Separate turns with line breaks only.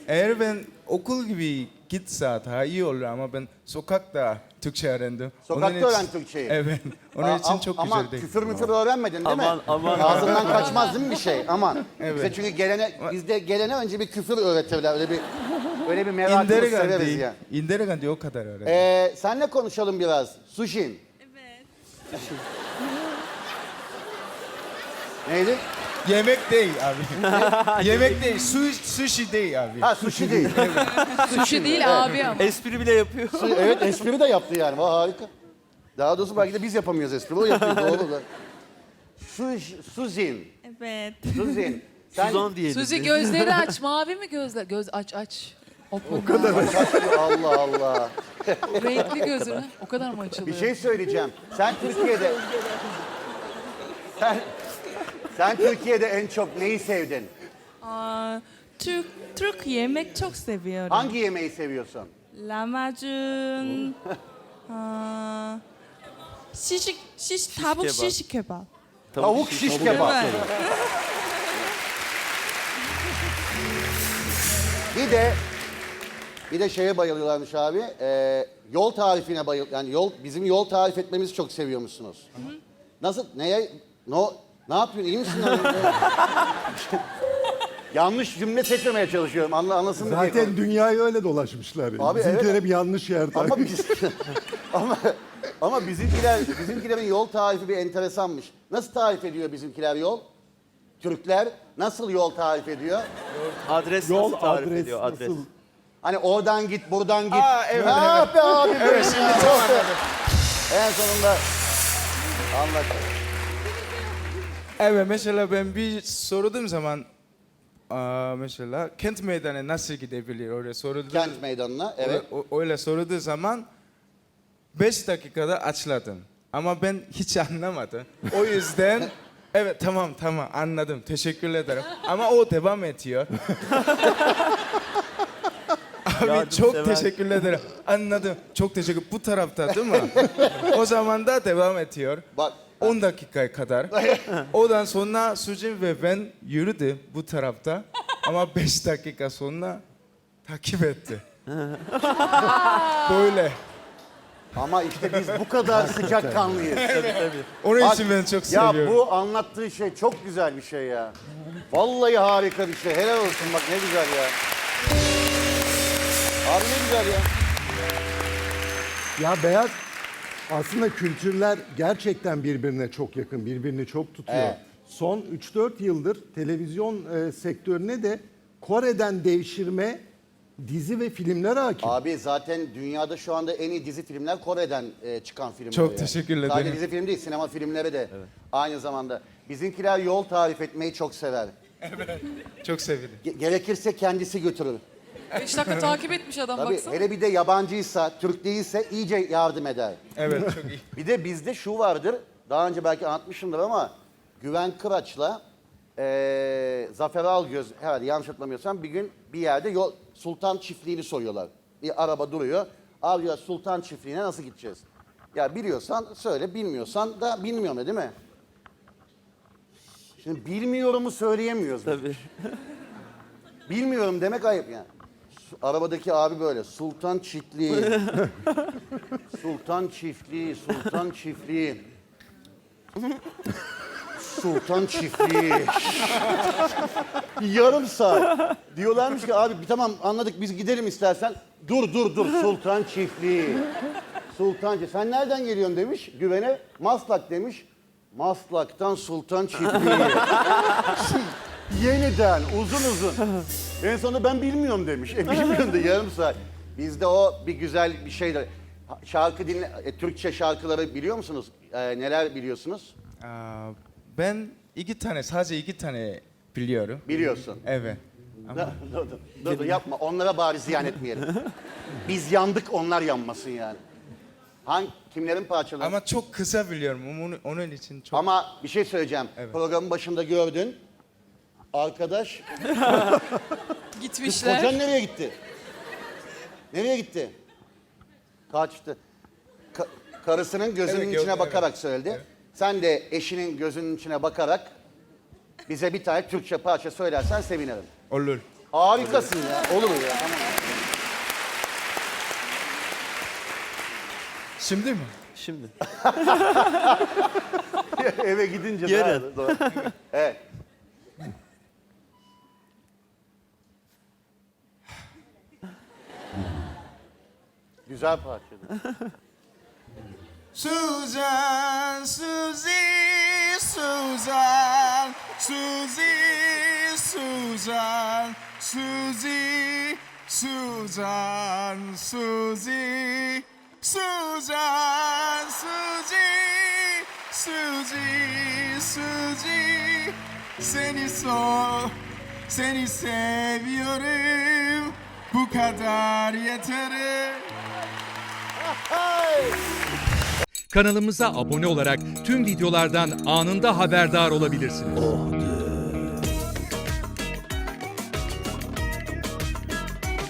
Eğer ben okul gibi gitse daha iyi olur ama ben sokakta Türkçe öğrendim.
Sokakta öğren Türkçeyi.
Evet. Onun için çok
aman,
güzel değil.
küfür müfür öğrenmedin değil mi?
Aman.
Ağzından kaçmaz değil mi bir şey? Aman.
Evet.
Bize çünkü bizde gelene önce bir küfür öğretirler. Öyle bir merakımız severiz ya.
İnderegan o kadar öğrendim.
Senle konuşalım biraz. Sushin.
Evet.
Neydi?
Yemek değil abi. Yemek değil. Sushi değil abi.
Ha sushi değil.
Sushi değil abi ama.
Espri bile yapıyor.
Evet espri de yaptı yani. Vay harika. Daha doğrusu belki de biz yapamıyoruz espri. O yapıyor doğru da. Suzin.
Evet.
Suzin. Sen
Suzan diyelim.
Suzi gözleri aç. Mavi mi gözler? Göz aç.
o kadar Allah Allah.
Renkli gözünü. O kadar mı açılıyor?
Bir şey söyleyeceğim. Sen Türkiye'de sen Türkiye'de en çok neyi sevdin?
Türk yemek çok seviyorum.
Hangi yemeği seviyorsun?
Lahmacun, tavuk
kebap.
şiş kebap.
Tavuk şiş kebap.
Evet.
Bir de şeye bayılıyorlarmış abi. Yol tarifine yani bizim yol tarif etmemizi çok seviyormuşsunuz. Nasıl? Ne yapıyorsun? İyi misin? Yanlış cümle seçmemeye çalışıyorum. Anlasın diye.
Zaten dünyayı öyle dolaşmışlar.
Abi
Bizimkiler
evet.
hep yanlış yerde.
Ama bizimkilerin yol tarifi bir enteresanmış. Nasıl tarif ediyor bizimkiler yol? Türkler nasıl yol tarif ediyor?
Adres
Yol
nasıl tarif
adres
ediyor? Adres.
nasıl?
Hani oradan git, buradan git.
Evet,
Ah be abi.
Evet, şimdi tam anladım.
En sonunda anladım.
Evet, mesela ben bir sorduğum zaman mesela Kent Meydanı nasıl gidebilir? Öyle sorduğum
Kent meydanına, evet.
öyle sorduğu zaman 5 dakikada açladım. Ama ben hiç anlamadım. O yüzden evet tamam anladım. Teşekkür ederim. Ama o devam ediyor. Abi çok
Yardımsever.
teşekkür ederim. Anladım. Çok teşekkür. Bu tarafta değil mi? O zaman da devam ediyor.
Bak
10 dakikaya kadar. Ondan sonra Sucin ve ben yürüdü bu tarafta. Ama 5 dakika sonra takip etti. Böyle.
ama işte biz bu kadar sıcakkanlıyız.
Onun
Bak,
için ben çok
ya
seviyorum.
bu anlattığı şey çok güzel bir şey ya. Vallahi harika bir şey. Helal olsun bak ne güzel ya. Abi ne güzel ya.
Ya Beyaz, aslında kültürler gerçekten birbirine çok yakın, birbirini çok tutuyor.
Evet.
Son 3-4 yıldır televizyon sektörüne de Kore'den devşirme dizi ve filmler hakim.
Abi zaten dünyada şu anda en iyi dizi filmler Kore'den çıkan filmler.
Çok
ya.
teşekkür ederim.
Sadece dizi film değil, sinema filmleri de aynı zamanda. Bizimkiler yol tarif etmeyi çok sever.
Çok sevindim.
Gerekirse kendisi götürür.
5 dakika takip etmiş adam
Tabii
baksana.
hele bir de yabancıysa, Türk değilse iyice yardım eder.
Evet çok iyi.
Bir de bizde şu vardır, daha önce belki anlatmışımdır ama Güven Kıraç'la Zafer Algöz, herhalde yanlış hatırlamıyorsam bir gün bir yerde Sultan Çiftliği'ni soruyorlar. Bir araba duruyor. Abi diyor Sultan Çiftliği'ne nasıl gideceğiz? Ya biliyorsan söyle, bilmiyorsan da bilmiyorum değil mi? Şimdi bilmiyorumu söyleyemiyoruz.
Tabii.
Bilmiyorum demek ayıp yani. Arabadaki abi böyle Sultan Çiftliği. Sultan Çiftliği, Sultan Çiftliği. Sultan Çiftliği. Yarım saat. Diyorlarmış ki abi tamam anladık biz gidelim istersen. Dur Sultan Çiftliği. Sultan Çiftliği. Sen nereden geliyorsun demiş güvene. Maslak demiş. Maslak'tan Sultan Çiftliği. Yeniden uzun. En sonunda ben bilmiyorum demiş. Bilmiyorum da yarım saat. Bizde o bir güzel bir şey de. Şarkı Türkçe şarkıları biliyor musunuz? Neler biliyorsunuz?
Ben sadece iki tane biliyorum.
Biliyorsun.
Evet. Ama
Dur, yapma. Onlara bari ziyan etmeyelim. Biz yandık onlar yanmasın yani. Kimlerin parçaları?
ama çok kısa biliyorum. Onun için çok...
Ama bir şey söyleyeceğim.
Evet.
Programın başında gördün. Arkadaş,
Gitmişler.
kocan nereye gitti? Nereye gitti? Kaçtı. Karısının gözünün
Evet,
içine
gördüm,
bakarak söyledi.
Evet.
Sen de eşinin gözünün içine bakarak bize bir tane Türkçe parça söylersen sevinirim.
Olur.
Harikasın ya. Olur ya. Tamam.
Şimdi mi?
Şimdi.
Eve gidince
Yarın.
Doğru. Evet. Güzel parçaydı.
Suzan, Suzy, Suzan, Suzy, Suzan, Suzy, Suzan, Suzy, Suzan, Suzy, Suzy, Suzy, seni seviyorum, bu kadar yeter.
Kanalımıza abone olarak tüm videolardan anında haberdar olabilirsiniz.